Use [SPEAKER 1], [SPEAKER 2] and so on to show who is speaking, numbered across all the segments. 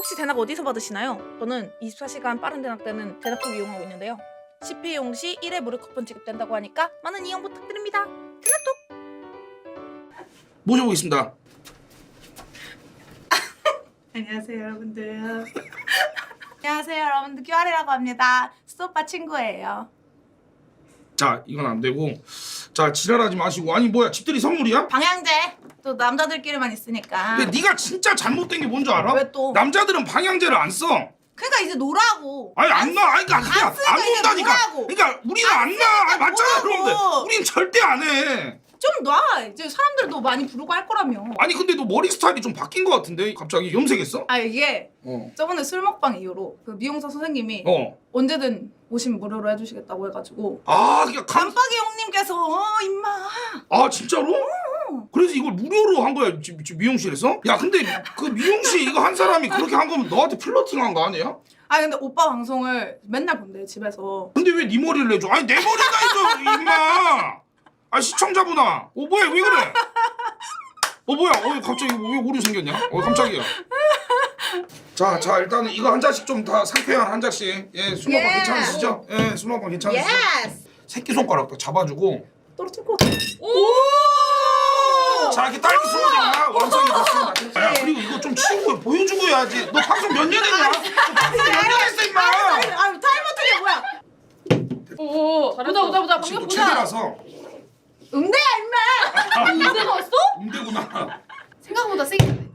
[SPEAKER 1] 혹시 대낙 어디서 받으시나요? 저는 24시간 빠른 대낙 되는 대낙톡 이용하고 있는데요. 10회 이용 시 1회 무료 쿠폰 지급된다고 하니까 많은 이용 부탁드립니다. 대낙톡!
[SPEAKER 2] 모셔보겠습니다.
[SPEAKER 3] 안녕하세요 여러분들. 안녕하세요 여러분들, QR이라고 합니다. 수오빠 친구예요.
[SPEAKER 2] 자, 이건 안 되고. 자, 지랄하지 마시고. 아니 뭐야, 집들이 선물이야?
[SPEAKER 3] 방향제 또 남자들끼리만 있으니까.
[SPEAKER 2] 근데 네가 진짜 잘못된 게 뭔지 알아?
[SPEAKER 3] 왜 또?
[SPEAKER 2] 남자들은 방향제를 안 써.
[SPEAKER 3] 그러니까 이제 놀라고.
[SPEAKER 2] 아니 안 나. 아니 그러니까 그냥
[SPEAKER 3] 쓰니까
[SPEAKER 2] 안
[SPEAKER 3] 이제
[SPEAKER 2] 논다니까.
[SPEAKER 3] 뭐라고.
[SPEAKER 2] 그러니까 우리는 안 나. 아니 맞잖아,
[SPEAKER 3] 뭐라고.
[SPEAKER 2] 그런데 우린 절대 안 해.
[SPEAKER 3] 좀 놔. 이제 사람들도 많이 부르고 할 거라며.
[SPEAKER 2] 아니 근데 너 머리 스타일이 좀 바뀐 것 같은데 갑자기 염색했어?
[SPEAKER 3] 아 이게
[SPEAKER 2] 어.
[SPEAKER 3] 저번에 술 먹방 이후로 그 미용사 선생님이
[SPEAKER 2] 어.
[SPEAKER 3] 언제든 오시면 무료로 해주시겠다고 해가지고
[SPEAKER 2] 아, 그러니까
[SPEAKER 3] 깜빡이 형님께서 임마.
[SPEAKER 2] 아 진짜로? 그래서 이걸 무료로 한 거야 지금 미용실에서? 야 근데 그 미용실 이거 한 사람이 그렇게 한 거면 너한테 플러팅한 거 아니야?
[SPEAKER 3] 아 근데 오빠 방송을 맨날 본대 집에서.
[SPEAKER 2] 근데 왜 네 머리를 내줘? 아니 내 머리가 있어 임마. 아 시청자분아. 뭐야 왜 그래? 뭐야 갑자기 왜 오류 생겼냐? 깜짝이야. 자 일단은 이거 한 잔씩 좀 다 상쾌한 한 잔씩. 예, 술 먹방 괜찮으시죠? 예, 술 먹방 괜찮으시죠?
[SPEAKER 3] 예스.
[SPEAKER 2] 새끼손가락 딱 잡아주고.
[SPEAKER 3] 떨어질 것 같아.
[SPEAKER 2] 자 이렇게 딸기 스무디가 완성이 됐습니다. 야 그리고 이거 좀 치우고 보여주고 해야지. 너 방송 몇 년 했냐? 너 방송 몇 년 했어 임마.
[SPEAKER 3] 아 타이머 트게 뭐야?
[SPEAKER 4] 오, 보자
[SPEAKER 2] 지금
[SPEAKER 4] 방금
[SPEAKER 2] 또
[SPEAKER 4] 보자.
[SPEAKER 2] 최대라서.
[SPEAKER 3] 응대야 임마.
[SPEAKER 4] 인생 왔어?
[SPEAKER 2] 음대구나.
[SPEAKER 4] 생각보다 세게.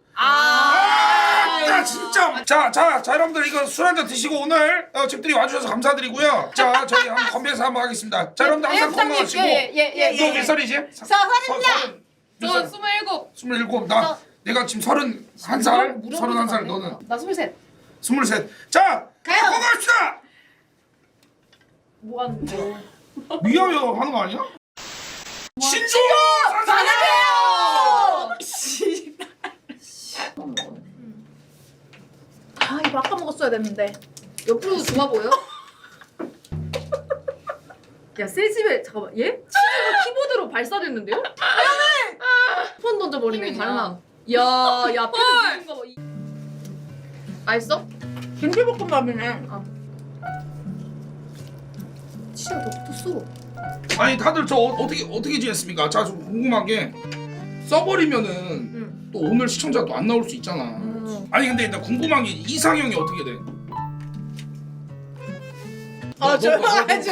[SPEAKER 2] 아, 진짜. 자, 여러분들 이거 술 한잔 드시고 오늘 집들이 와주셔서 감사드리고요. 자, 저희 한번 건배사 한번 하겠습니다. 자, 여러분들 항상 건강하시고.
[SPEAKER 4] 예예예.
[SPEAKER 2] 너 몇 살이지?
[SPEAKER 3] 서른이야.
[SPEAKER 4] 저 27.
[SPEAKER 2] 27. 나 내가 지금 31살. 31살 너는
[SPEAKER 4] 나 23.
[SPEAKER 2] 23. 자,
[SPEAKER 3] 가요.
[SPEAKER 2] 건강합시다.
[SPEAKER 4] 뭐 하는데?
[SPEAKER 2] 위하여 하는 거 아니야? 신조
[SPEAKER 4] 사랑해요.
[SPEAKER 3] 아 이거 아까 먹었어야 됐는데.
[SPEAKER 4] 옆으로 좋아 보여? 야, 새 집에 잠깐만. 얘? 치즈가 키보드로 발사됐는데요? 미안해. 폰 던져버리네. 달라. 야, 피도 무슨 거 봐. 맛있어?
[SPEAKER 3] 김치볶음밥이네.
[SPEAKER 4] 치즈가 더 붙었어.
[SPEAKER 2] 아니 다들 저 어떻게 지냈습니까? 자, 좀 궁금한 게 써버리면은 또 오늘 시청자 또 안 나올 수 있잖아. 아니 근데 나 궁금한 게 이상형이 어떻게 돼?
[SPEAKER 3] 저요?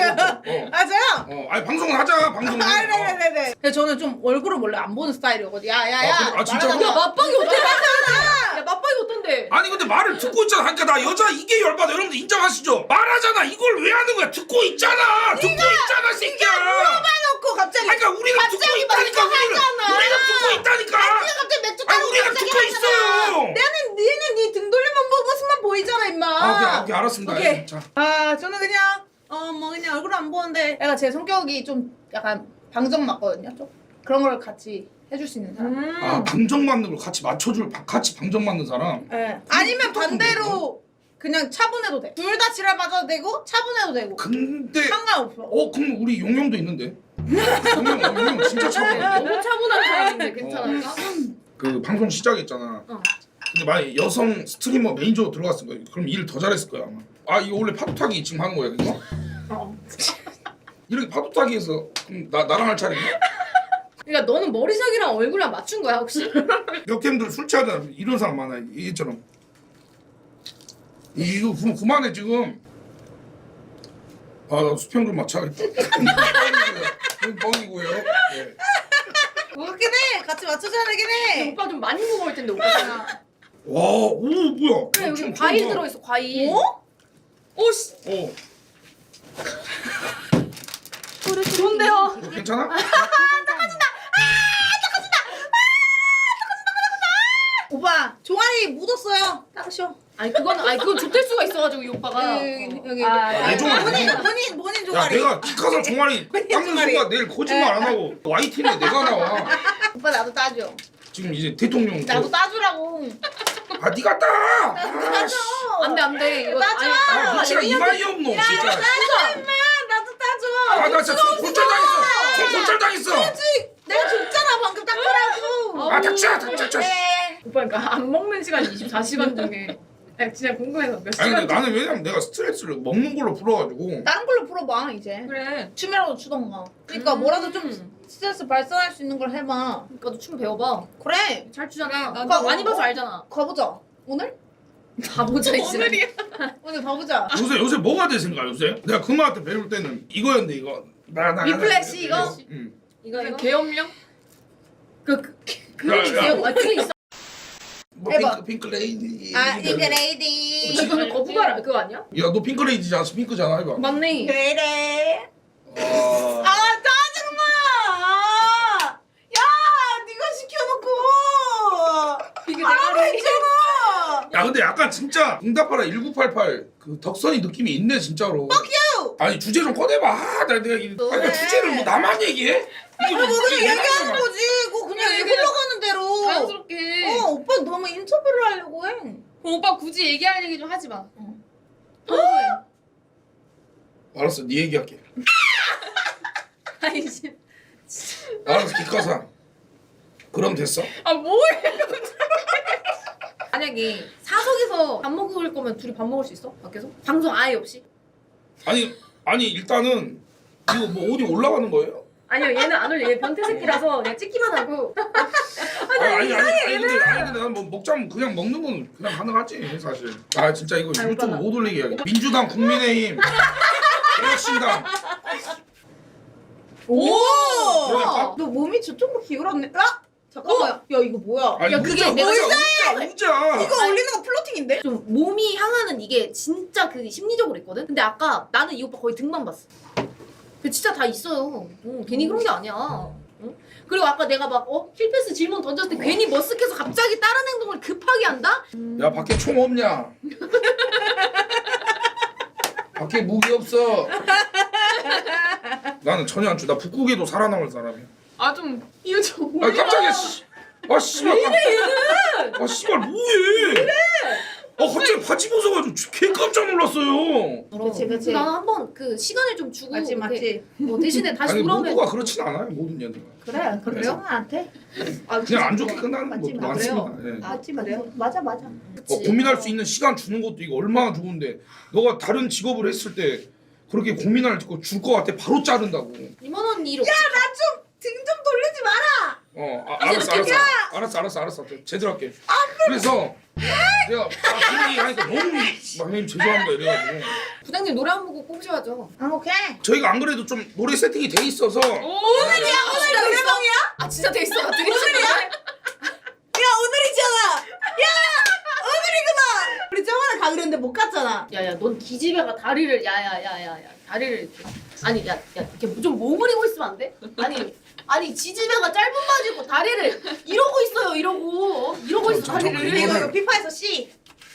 [SPEAKER 2] 아니 방송을 하자. 방송을.
[SPEAKER 3] 네네네네. 근데 저는 좀 얼굴을 원래 안 보는 스타일이거든. 야야야.
[SPEAKER 2] 아, 진짜로?
[SPEAKER 4] 야, 맛방이 어떤데? 야, 맛방이 어떤데?
[SPEAKER 2] 아니 근데 말을 듣고 있잖아. 그러니까 나 여자 이게 열받아. 여러분들 인정하시죠? 말하잖아. 이걸 왜 하는 거야? 듣고 있잖아. 듣고 있잖아, 새끼야.
[SPEAKER 3] 물어봐놓고 갑자기.
[SPEAKER 2] 그러니까 우리가 듣고
[SPEAKER 3] 갑자기
[SPEAKER 2] 있다니까.
[SPEAKER 3] 말하잖아.
[SPEAKER 2] 우리가 듣고 있다니까.
[SPEAKER 3] 갑자기 맥주
[SPEAKER 2] 아니
[SPEAKER 3] 따고
[SPEAKER 2] 우리가
[SPEAKER 3] 갑자기
[SPEAKER 2] 듣고
[SPEAKER 3] 하잖아.
[SPEAKER 2] 있어요.
[SPEAKER 3] 얘는 네 등 돌리면 모습만 보이잖아 임마.
[SPEAKER 2] 오케이 알았습니다.
[SPEAKER 3] 오케이.
[SPEAKER 2] 자.
[SPEAKER 3] 저는 그냥 뭐 그냥 얼굴 안 보는데 애가 제 성격이 좀 약간 방정 맞거든요. 좀 그런 걸 같이 해줄 수 있는 사람.
[SPEAKER 2] 아 방정 맞는 걸 같이 맞춰줄 같이 방정 맞는 사람.
[SPEAKER 3] 네. 아니면 반대로 그냥 차분해도 돼. 둘 다 지랄 맞아도 되고 차분해도 되고.
[SPEAKER 2] 근데
[SPEAKER 3] 상관없어.
[SPEAKER 2] 그럼 우리 용용도 있는데. 용용 진짜 차분해.
[SPEAKER 4] 너무 차분한 사람인데 괜찮을까?
[SPEAKER 2] 그 방송 시작했잖아. 근데 만약 여성 스트리머 메이저 들어갔을 거야. 그럼 일 더 잘했을 거야 아마. 아 이거 원래 파도 타기 지금 하는 거야 이거? 이렇게 파도 타기에서 그럼 나랑 할 차례냐?
[SPEAKER 4] 그러니까 너는 머리색이랑 얼굴이랑 맞춘 거야 혹시?
[SPEAKER 2] 역캠들 술 취하잖아. 이런 사람 많아. 얘처럼. 이거 그만해 지금. 나 수평 좀 맞춰야겠다. 뻥이고요. 네.
[SPEAKER 3] 그렇긴 해. 같이 맞춰줘야 되긴 해.
[SPEAKER 4] 오빠 좀 많이 먹을 텐데 오빠가.
[SPEAKER 2] 와, 오 뭐야?
[SPEAKER 4] 그래 여기
[SPEAKER 2] 좀
[SPEAKER 4] 과일
[SPEAKER 2] 좋아.
[SPEAKER 4] 들어있어 과일.
[SPEAKER 3] 어?
[SPEAKER 4] 오씨. 좋은데요?
[SPEAKER 2] 괜찮아?
[SPEAKER 3] 오빠 종아리 묻었어요. 닦으셔.
[SPEAKER 4] 그건 좁힐 수가 있어가지고 이 오빠가.
[SPEAKER 3] 여기.
[SPEAKER 2] 내 종아리.
[SPEAKER 3] 본인
[SPEAKER 2] 야
[SPEAKER 3] 종아리.
[SPEAKER 2] 내가 키카사 종아리 닦는
[SPEAKER 3] 종아리.
[SPEAKER 2] 순간 내일 거짓말 안 하고 YTN에 내가 나와.
[SPEAKER 3] 오빠 나도 따줘.
[SPEAKER 2] 지금 이제 대통령.
[SPEAKER 3] 나도 따주라고.
[SPEAKER 2] 네가 따. 아, 씨.
[SPEAKER 4] 안돼 이거
[SPEAKER 3] 따줘.
[SPEAKER 2] 아, 미치가 이마이 없노 진짜.
[SPEAKER 3] 따줘 임마. 나도 따줘.
[SPEAKER 2] 나 진짜 손 골절 당했어. 손 골절 당했어.
[SPEAKER 3] 내가 줬잖아 방금 닦으라고.
[SPEAKER 2] 닥쳐.
[SPEAKER 3] 네.
[SPEAKER 4] 오빠 그러니까 안 먹는 시간 24시간 중에 야, 진짜 궁금해서 몇
[SPEAKER 2] 아니
[SPEAKER 4] 시간.
[SPEAKER 2] 근데 나는 왜냐면 내가 스트레스를 먹는 걸로 풀어가지고.
[SPEAKER 3] 다른 걸로 풀어봐 이제.
[SPEAKER 4] 그래.
[SPEAKER 3] 춤이라도 추던가. 그러니까 뭐라도 좀 스트레스 발산할 수 있는 걸 해봐.
[SPEAKER 4] 그러니까 너춤 배워봐.
[SPEAKER 3] 그래.
[SPEAKER 4] 잘 추잖아. 나
[SPEAKER 3] 가-
[SPEAKER 4] 많이 봐서 알잖아.
[SPEAKER 3] 가보자. 오늘?
[SPEAKER 4] 가보자 이제.
[SPEAKER 3] 오늘 가보자.
[SPEAKER 2] 요새 뭐가 내 생각 요새? 내가 금마한테 배울 때는 이거였는데 이거.
[SPEAKER 3] 리플렉시 이거?
[SPEAKER 2] 응.
[SPEAKER 4] 이거 계엄령? 그게
[SPEAKER 2] 야, 야.
[SPEAKER 4] 있어요. 아 그게 있어.
[SPEAKER 2] 뭐
[SPEAKER 3] 해봐.
[SPEAKER 2] 핑크레이디.
[SPEAKER 3] 아 잉그레이디.
[SPEAKER 4] 이거는 거부가라 그거 아니야?
[SPEAKER 2] 야 너 핑크레이디지 않아? 핑크잖아 해봐.
[SPEAKER 4] 맞네.
[SPEAKER 3] 그래.
[SPEAKER 2] 아.
[SPEAKER 3] 아 짜증나. 야 네가 시켜놓고.
[SPEAKER 4] 이게
[SPEAKER 3] 하라고
[SPEAKER 4] 대가리.
[SPEAKER 3] 했잖아.
[SPEAKER 2] 야 근데 약간 진짜 응답하라 1988 그 덕선이 느낌이 있네 진짜로.
[SPEAKER 3] you.
[SPEAKER 2] 아니 주제 좀 꺼내봐. 아, 나 내가 아니
[SPEAKER 3] 그래.
[SPEAKER 2] 주제를 뭐 나만 얘기해? 이거
[SPEAKER 3] 뭐 그냥
[SPEAKER 2] 얘기하지
[SPEAKER 3] 얘기하는
[SPEAKER 2] 마.
[SPEAKER 3] 거지. 그거 그냥
[SPEAKER 4] 그래,
[SPEAKER 3] 흘러가는 대로.
[SPEAKER 4] 자연스럽게.
[SPEAKER 3] 오빠 너무 인터뷰를 하려고 해.
[SPEAKER 4] 오빠 굳이 얘기할 얘기 좀 하지 마.
[SPEAKER 2] 알았어 네 얘기할게.
[SPEAKER 4] 아니 씨.
[SPEAKER 2] 알았어 기카사. 그럼 됐어?
[SPEAKER 4] 아 뭐해? 만약에 사석에서 밥 먹을 거면 둘이 밥 먹을 수 있어? 밖에서? 방송 아예 없이?
[SPEAKER 2] 아니 일단은 이거 뭐 어디 올라가는 거예요?
[SPEAKER 4] 아니요 얘는 안 올려. 얘 변태새끼라서 그냥 찍기만 하고.
[SPEAKER 2] 아니 근데 난 뭐 먹자면 그냥 먹는 건 그냥 가능하지 사실. 아 진짜 이거
[SPEAKER 4] 아니,
[SPEAKER 2] 유튜브
[SPEAKER 4] 오빠가.
[SPEAKER 2] 못 올리게 해야겠다. 민주당 국민의힘 개혁신당
[SPEAKER 3] 오.
[SPEAKER 2] 그러니까?
[SPEAKER 3] 너 몸이 저쪽으로 기울었네. 아 잠깐만. 야 이거 뭐야?
[SPEAKER 2] 아니
[SPEAKER 4] 야, 그게
[SPEAKER 2] 우자
[SPEAKER 4] 내가
[SPEAKER 2] 우자
[SPEAKER 3] 이거 올리는 거 플로팅인데?
[SPEAKER 4] 좀 몸이 향하는 이게 진짜 그 심리적으로 있거든? 근데 아까 나는 이 오빠 거의 등만 봤어. 그 진짜 다 있어요. 괜히 그런 게 아니야. 응? 그리고 아까 내가 막 힐패스 질문 던졌을 때 괜히 머쓱해서 갑자기 다른 행동을 급하게 한다?
[SPEAKER 2] 야 밖에 총 없냐? 밖에 무기 없어. 나는 전혀 안 줘. 나 북극에도 살아남을 사람이야.
[SPEAKER 4] 아 좀 이거 좀
[SPEAKER 2] 아 깜짝이야. 아 씨발. 아 씨발 뭐해? 갑자기 바지 벗어가지고 개 깜짝 놀랐어요.
[SPEAKER 3] 그치.
[SPEAKER 4] 나는 한번 그 시간을 좀 주고
[SPEAKER 3] 맞지
[SPEAKER 4] 이렇게 대신에 다시
[SPEAKER 2] 아니
[SPEAKER 4] 돌아오면
[SPEAKER 2] 모두가 그렇진 않아요 모든 년들.
[SPEAKER 3] 그래. 그래요? 나한테?
[SPEAKER 2] 그냥 안 좋게 끝나는
[SPEAKER 3] 맞지,
[SPEAKER 2] 것도
[SPEAKER 3] 맞아요.
[SPEAKER 2] 많습니다. 예.
[SPEAKER 3] 맞지 맞아. 맞아.
[SPEAKER 2] 고민할 수 있는 시간 주는 것도 이거 얼마나 좋은데 너가 다른 직업을 했을 때 그렇게 고민할 거 줄 것 같아 바로 자른다고.
[SPEAKER 4] 이만 원이 이렇게
[SPEAKER 3] 나 좀 등 좀 돌리지 마라.
[SPEAKER 2] 알았어 제대로 할게. 그래서 내가 분위기 하니까 너무 형님 죄송합니다 이래가지고
[SPEAKER 4] 부장님 노래 한 곡 꼽으셔야죠.
[SPEAKER 3] 아 오케이.
[SPEAKER 2] 저희가 안 그래도 좀 노래 세팅이 돼 있어서
[SPEAKER 3] 오늘 노래방이야?
[SPEAKER 4] 아 진짜 돼 있어. 되게
[SPEAKER 3] 야 오늘이잖아. 야 오늘이구나. 우리 저번에 가기로 했는데 못 갔잖아.
[SPEAKER 4] 야야 넌 기집애가 다리를 야야야야야 다리를 이렇게 아니 야 이렇게 좀 오므리고 있으면 안 돼? 아니 지지배가 짧은 바지 입고 다리를 이러고 있어요 이러고 있어 다리를
[SPEAKER 3] 이거 피파에서 C.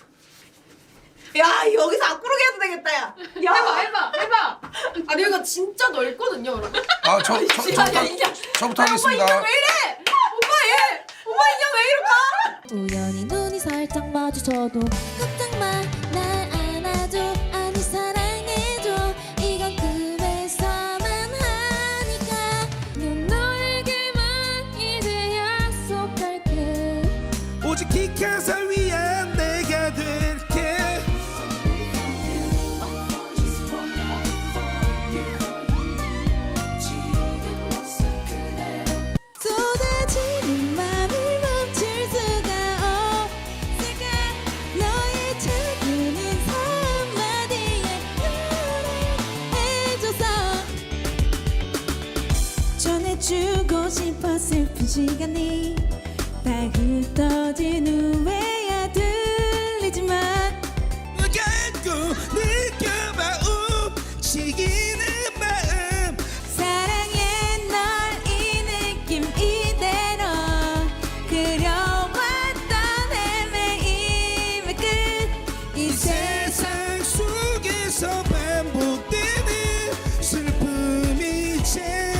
[SPEAKER 3] 야 여기서 앞구르기 해도 되겠다 야.
[SPEAKER 4] 해봐 아니 여기가 진짜 넓거든요 여러분.
[SPEAKER 2] 저부터 하겠습니다.
[SPEAKER 4] 왜 이래? 오빠 인형 왜 이럴까?
[SPEAKER 5] 우연히 눈이 살짝 마주쳐도 걱정 마, 날 안아줘, 아니 사랑해줘. 이건 꿈에서만 하니까 넌 너에게만 이제 약속할게.
[SPEAKER 6] 오직 기카사 위한 내가 될게.
[SPEAKER 5] 쏟아지는 맘을 멈출 수가 없을까. 너의 작은 한마디에 노래해줘서 전해주고 싶어. 슬픈 시간이 다 흩어진 후에야 들리지만
[SPEAKER 6] 결국 느껴봐 움직이는 마음.
[SPEAKER 5] 사랑해 널 이 느낌 이대로 그려왔던 헤매임의 끝.
[SPEAKER 6] 이 세상 속에서 반복되는 슬픔이 제일.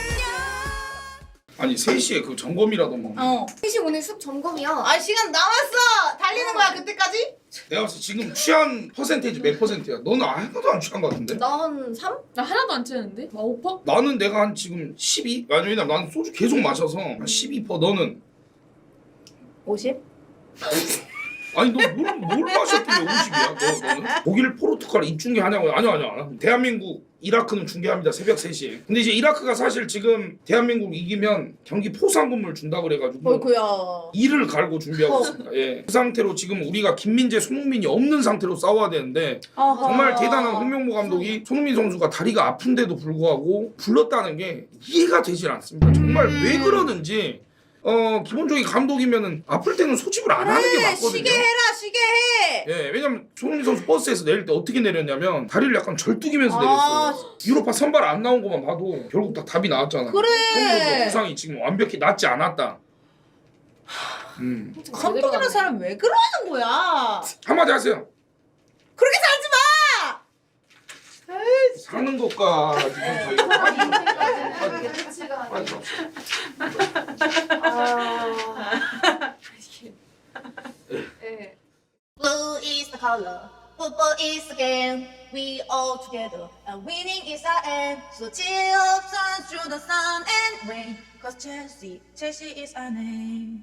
[SPEAKER 2] 아니 3시에 그 점검이라도 뭐.
[SPEAKER 4] 셋이 오늘 습 점검이야.
[SPEAKER 3] 아 시간 남았어. 달리는 거야 그때까지?
[SPEAKER 2] 내가 봤을 때 지금 취한 퍼센테이지 몇 퍼센트야? 너는 하나도 안 취한 것 같은데?
[SPEAKER 4] 난 3?
[SPEAKER 7] 나 하나도 안 치는데? 막 5%?
[SPEAKER 2] 나는 내가 한 지금 12? 아니 왜냐면 나는 소주 계속 마셔서 한 12%. 너는?
[SPEAKER 3] 50?
[SPEAKER 2] 아니 뭘 마셨길래 50이야? 너는? 독일 포르투갈 입중계하냐고? 아니야. 대한민국 이라크는 중계합니다. 새벽 3시에. 근데 이제 이라크가 사실 지금 대한민국 이기면 경기 포상금을 준다 그래가지고
[SPEAKER 3] 어이구야.
[SPEAKER 2] 이를 갈고 준비하고 있습니다. 예. 그 상태로 지금 우리가 김민재, 손흥민이 없는 상태로 싸워야 되는데 정말 대단한 홍명보 감독이 손흥민 선수가 다리가 아픈데도 불구하고 불렀다는 게 이해가 되질 않습니다. 정말 왜 그러는지 기본적인 감독이면은 아플 때는 소집을 안 하는 게 맞거든요.
[SPEAKER 3] 쉬게 해라, 쉬게 해.
[SPEAKER 2] 예, 왜냐면 손흥민 선수 버스에서 내릴 때 어떻게 내렸냐면 다리를 약간 절뚝이면서
[SPEAKER 3] 아,
[SPEAKER 2] 내렸어요. 유로파 선발 안 나온 것만 봐도 결국 다 답이 나왔잖아.
[SPEAKER 3] 그래.
[SPEAKER 2] 손흥민 선수 부상이 지금 완벽히 낫지 않았다.
[SPEAKER 3] 감독이라는 사람 왜 그러는 거야?
[SPEAKER 2] 한마디 하세요.
[SPEAKER 3] 그렇게 살지 마.
[SPEAKER 2] 사는 것과 지금 저희가 빨리
[SPEAKER 8] Blue is the color, football is the game. We all together, and winning is our aim. So cheer up, sun through the sun and rain. Cause Chelsea is our name.